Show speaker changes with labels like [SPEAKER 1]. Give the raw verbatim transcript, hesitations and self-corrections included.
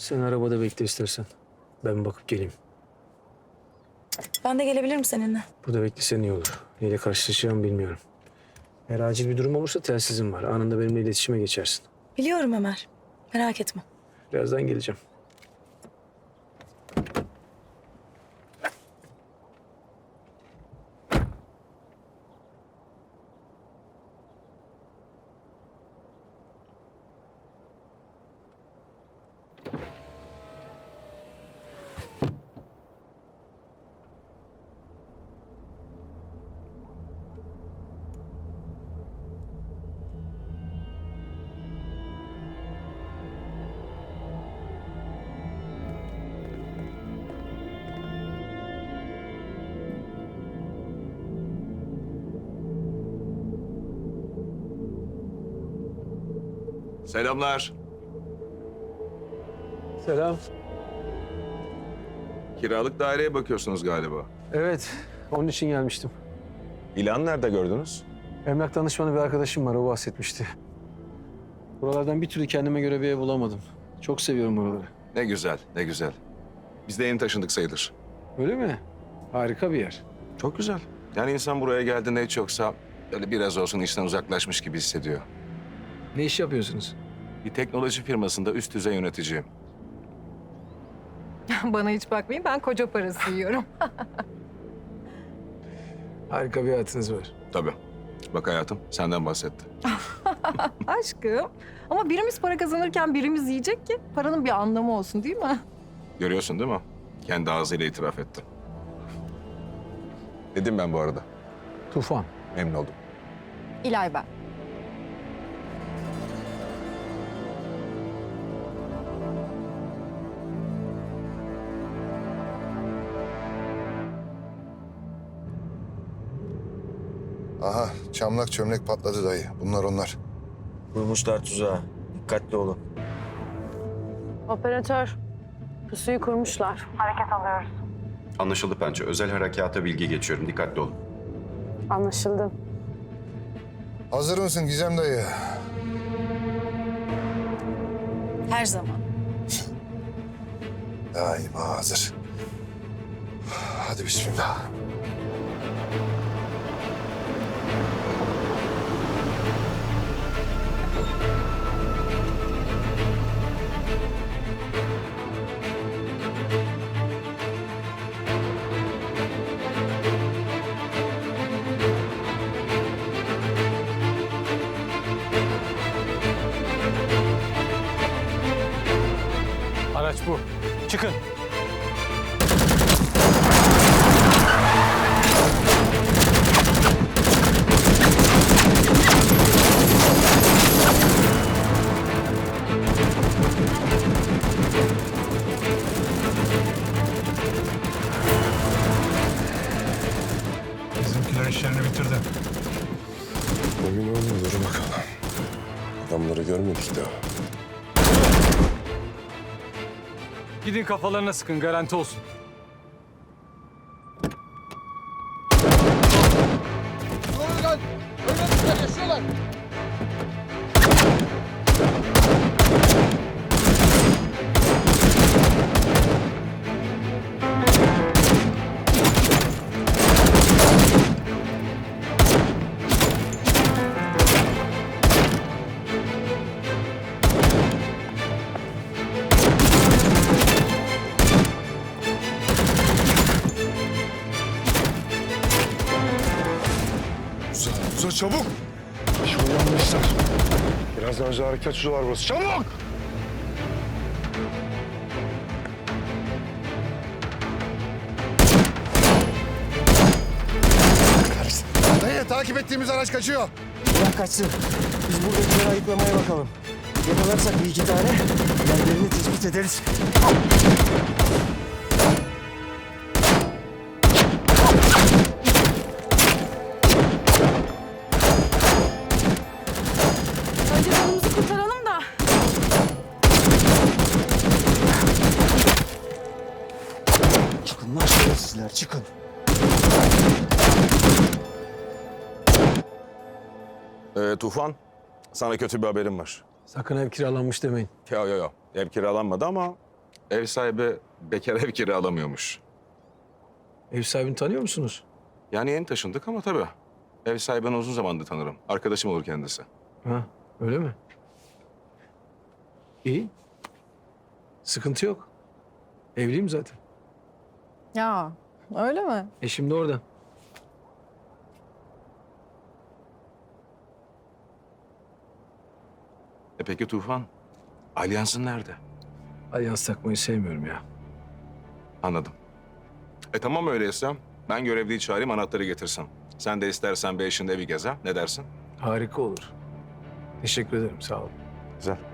[SPEAKER 1] Sen arabada bekle istersen. Ben bakıp geleyim.
[SPEAKER 2] Ben de gelebilirim seninle.
[SPEAKER 1] Burada beklesen iyi olur. Neyle karşılaşacağımı bilmiyorum. Eğer acil bir durum olursa telsizim var. Anında benimle iletişime geçersin.
[SPEAKER 2] Biliyorum Ömer. Merak etme.
[SPEAKER 1] Birazdan geleceğim.
[SPEAKER 3] Selamlar.
[SPEAKER 1] Selam.
[SPEAKER 3] Kiralık daireye bakıyorsunuz galiba.
[SPEAKER 1] Evet, onun için gelmiştim.
[SPEAKER 3] İlan nerede gördünüz?
[SPEAKER 1] Emlak danışmanı bir arkadaşım var, o bahsetmişti. Buralardan bir türlü kendime göre bir ev bulamadım. Çok seviyorum buraları.
[SPEAKER 3] Ne güzel, ne güzel. Biz de yeni taşındık sayılır.
[SPEAKER 1] Öyle mi? Harika bir yer.
[SPEAKER 3] Çok güzel. Yani insan buraya geldiğinde hiç yoksa böyle biraz olsun işten uzaklaşmış gibi hissediyor.
[SPEAKER 1] Ne iş yapıyorsunuz?
[SPEAKER 3] Bir teknoloji firmasında üst düzey yöneticiyim.
[SPEAKER 4] Bana hiç bakmayın, ben koca parası yiyorum.
[SPEAKER 1] Harika bir hayatınız var.
[SPEAKER 3] Tabii. Bak hayatım, senden bahsetti.
[SPEAKER 4] Aşkım. Ama birimiz para kazanırken birimiz yiyecek ki paranın bir anlamı olsun, değil mi?
[SPEAKER 3] Görüyorsun değil mi? Kendi ağzıyla itiraf etti. Dedim ben bu arada.
[SPEAKER 1] Tufan.
[SPEAKER 3] Memnun oldum.
[SPEAKER 4] İlay ben.
[SPEAKER 5] Aha, çamlak çömlek patladı dayı. Bunlar onlar.
[SPEAKER 6] Kurmuşlar tuzağı. Dikkatli olun.
[SPEAKER 7] Operatör, pusuyu kurmuşlar.
[SPEAKER 8] Anlaşıldı Pençe. Özel harekata bilgi geçiyorum. Dikkatli olun.
[SPEAKER 7] Anlaşıldı.
[SPEAKER 5] Hazır mısın Gizem dayı?
[SPEAKER 2] Her zaman.
[SPEAKER 5] Daima hazır. Hadi bismillah.
[SPEAKER 1] Araç bu. Çıkın.
[SPEAKER 9] Bizimkiler işlerini bitirdi.
[SPEAKER 5] Emin olma, dur bakalım. Adamları görmedik daha.
[SPEAKER 9] Gidin kafalarına sıkın, garanti olsun.
[SPEAKER 5] Uza, uza çabuk! Şu yanmışlar. Birazdan önce harekat şu var burası. Çabuk! Dayı, takip ettiğimiz araç kaçıyor.
[SPEAKER 6] Bırak kaçsın. Biz buradakileri ayıklamaya bakalım. Yakalarsak bir iki tane yerlerini tespit ederiz.
[SPEAKER 2] Önce canımızı kurtaralım da.
[SPEAKER 6] Çıkın lan şerefsizler, çıkın.
[SPEAKER 3] Ee, Tufan, sana kötü bir haberim var.
[SPEAKER 1] Sakın ev kiralanmış demeyin.
[SPEAKER 3] Yo yo yo, ev kiralanmadı ama ev sahibi bekar ev kiralamıyormuş.
[SPEAKER 1] Ev sahibini tanıyor musunuz?
[SPEAKER 3] Yani yeni taşındık ama tabii. Ev sahibini uzun zamandır tanırım. Arkadaşım olur kendisi.
[SPEAKER 1] Ha, öyle mi? İyi. Sıkıntı yok. Evliyim zaten.
[SPEAKER 4] Ya öyle mi?
[SPEAKER 1] Eşim de orada.
[SPEAKER 3] E peki Tufan? Alyansın nerede?
[SPEAKER 1] Alyans takmayı sevmiyorum ya.
[SPEAKER 3] Anladım. E tamam öyleyse. Ben görevliyi çağırayım, anahtarı getirsin. Sen de istersen bir eşinde evi gez ha. Ne dersin?
[SPEAKER 1] Harika olur. Teşekkür ederim, sağ olun.
[SPEAKER 3] Güzel.